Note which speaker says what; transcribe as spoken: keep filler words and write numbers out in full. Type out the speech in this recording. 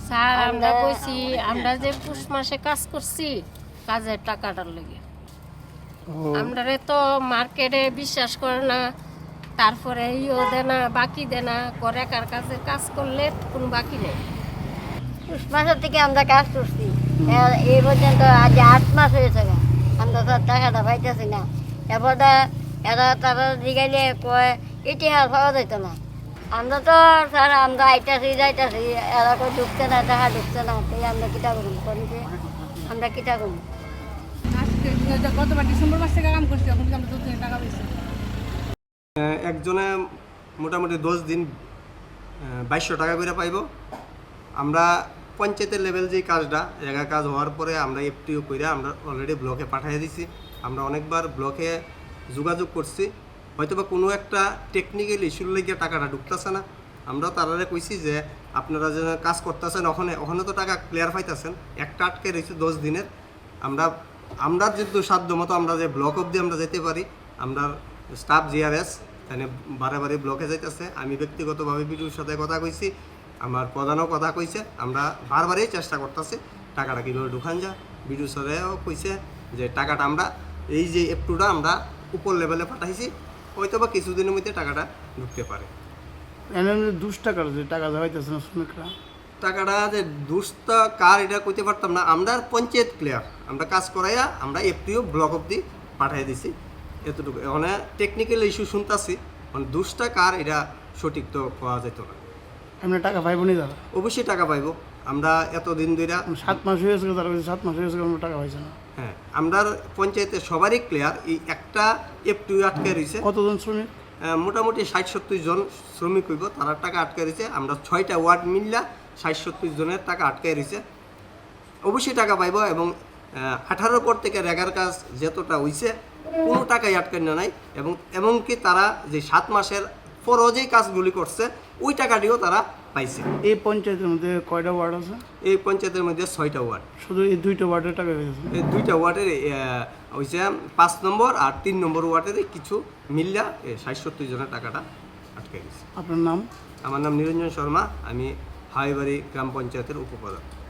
Speaker 1: Sir আমরা কইছি আমরা যে পুষ মাসে কাজ করছি কাজের টাকাটার লেগে আমরা তো মার্কেটে বিশ্বাস করে না, তারপরে ইও দেয় না, বাকি দেয় না, করে কার কাছে কাজ করলে কোনো বাকি নেই।
Speaker 2: পুষ মাসের থেকে আমরা কাজ করছি এই পর্যন্ত আজ আট মাস হয়েছে গা। আমরা তো টাকাটা পাইতেছি না। এরপর এরা তারা জিগাইলে কয় ইতিহাস পাওয়া যেত না। আমরা তো স্যার আমরা আইতাছি যাইতাছি, এরা কই ঢুকছে না, টাকা ঢুকছে না, তাই আমরা কিটা করুন করিতে আমরা কিটা করুন।
Speaker 3: গতবার ডিসেম্বর মাস থেকে কাম করছি, এখন আমরা দু দিন টাকা পেয়েছি।
Speaker 4: একজনে মোটামুটি দশ দিন বাইশশো টাকা করে পাইব। আমরা পঞ্চায়েতের লেভেল যে কাজটা জায়গা কাজ হওয়ার পরে আমরা এফটিও করে আমরা অলরেডি ব্লকে পাঠিয়ে দিছি। আমরা অনেকবার ব্লকে যোগাযোগ করছি, হয়তো বা কোনো একটা টেকনিক্যাল ইস্যুর লেগে টাকাটা ঢুকতেছে না। আমরা তারা কইছি যে আপনারা যে কাজ করতেছেন ওখানে ওখানে তো টাকা ক্লিয়ার পাইতেছেন, একটা আটকে রয়েছে দশ দিনের। আমরা আমরা যেহেতু সাধ্য মতো আমরা যে ব্লক অবধি আমরা যেতে পারি, আমরা স্টাফ জিআরএস এখানে বারে বারে ব্লকে যাইতেছে। আমি ব্যক্তিগতভাবে বিডিওর সাথে কথা কইছি, আমার প্রধানও কথা কইছে। আমরা বারবারই চেষ্টা করতেছি টাকাটা কীভাবে ঢুকান যায়। বিডিও স্যারেও কইছে যে টাকাটা আমরা এই যে এপটুটা আমরা উপর লেভেলে পাঠাইছি, হয়তো বা কিছুদিনের মধ্যে টাকাটা ঢুকতে পারে।
Speaker 5: দুশ টাকার যে টাকা দেওয়া হইতেছে না শ্রমিকরা,
Speaker 4: টাকাটা যে দুষ্ট কার এটা কইতে পারতাম না। আমরা পঞ্চায়েত ক্লিয়ার আমরা কাজ করাইয়া আমরা এফটিও ব্লক অব্দি পাঠাই দিছি, এতটুকু। মানে টেকনিক্যাল ইস্যু শুনতেছি, মানে দুষ্টা কার এটা সঠিক তো পাওয়া যেত না।
Speaker 5: এমনি টাকা পাইব নি দাদা?
Speaker 4: অবশ্যই টাকা পাইব। আমরা এতদিন ধরে
Speaker 5: সাত মাস হয়েছে, তারা সাত মাস হয়েছে আমরা টাকা পাইছে না।
Speaker 4: হ্যাঁ, আমরা পঞ্চায়েতের সবারই ক্লিয়ার, এই একটা এফটিও আটকে রয়েছে।
Speaker 5: কতজন শ্রমিক?
Speaker 4: মোটামুটি ষাট সত্তর জন শ্রমিক হইব, তারা টাকা আটকে রয়েছে। আমরা ছয়টা ওয়ার্ড মিললা ষাট সত্তর জনের টাকা আটকে রয়েছে। অবশ্যই টাকা পাইব। এবং আঠারোর পর থেকে রেগার কাজ যতটা হইছে কোনো টাকাই আটকে না নাই। এবং এমনকি তারা যে সাত মাসের পরও যেই কাজগুলি করছে ওই টাকাটিও তারা পাইছে।
Speaker 5: এই পঞ্চায়েতের মধ্যে কয়টা ওয়ার্ড আছে?
Speaker 4: এই পঞ্চায়েতের মধ্যে ছয়টা ওয়ার্ড।
Speaker 5: শুধু এই দুইটা ওয়ার্ডের টাকা পেয়েছে?
Speaker 4: এই দুইটা ওয়ার্ডের হয়েছে পাঁচ নম্বর আর তিন নম্বর ওয়ার্ডের কিছু মিল্লা ষাট সত্তর জনের টাকাটা আটকে গেছে।
Speaker 5: আপনার নাম?
Speaker 4: আমার নাম নিরঞ্জন শর্মা, আমি হাইবাড়ি গ্রাম পঞ্চায়েতের উপপ্রধান।